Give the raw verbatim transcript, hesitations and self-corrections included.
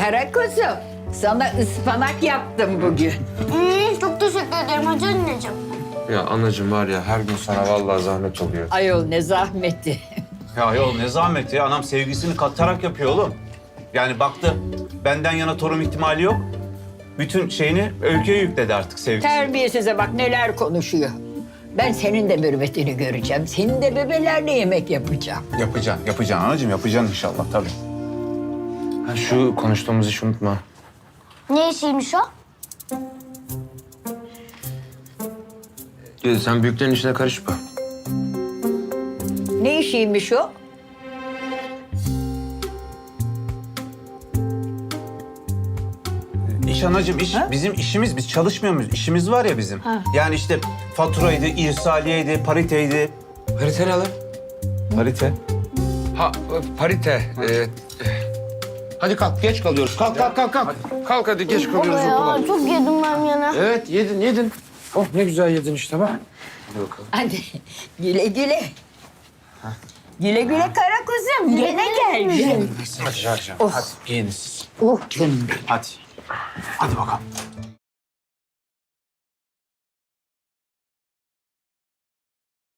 Kara kuzum, sana ıspanak yaptım bugün. Hmm, çok teşekkür ederim Hacı anneciğim. Ya anacığım var ya her gün sana vallahi zahmet oluyor. Ayol ne zahmeti. Ya yol ne zahmeti ya. Anam sevgisini katarak yapıyor oğlum. Yani baktı benden yana torun ihtimali yok. Bütün şeyini Öykü'ye yükledi artık sevgisini. Terbiyesize bak neler konuşuyor. Ben senin de mürüvvetini göreceğim. Senin de bebelerle yemek yapacağım. Yapacaksın, yapacaksın anacığım. Yapacaksın inşallah tabii. Ha, şu konuştuğumuz işi unutma. Ne işiymiş o? Ya, sen büyüklerin işine karışma. Ne işiymiş o? İş anacığım iş. Bizim işimiz. Biz çalışmıyor muyuz? İşimiz var ya bizim. Yani işte faturaydı, irsaliyeydi, pariteydi. Parite ne lan? Parite. Ha parite. Ee, hadi kalk geç kalıyoruz. Kalk kalk kalk kalk. Kalk hadi geç Baba kalıyoruz okula. ya çok yedim ben yana. Evet yedin yedin. Oh ne güzel yedin işte bak. Hadi bakalım. Hadi güle güle. Güle güle kara kuzum. Gene gel. Hadi Hadi giyinin siz. Oh canım benim. Hadi. Hadi bakalım.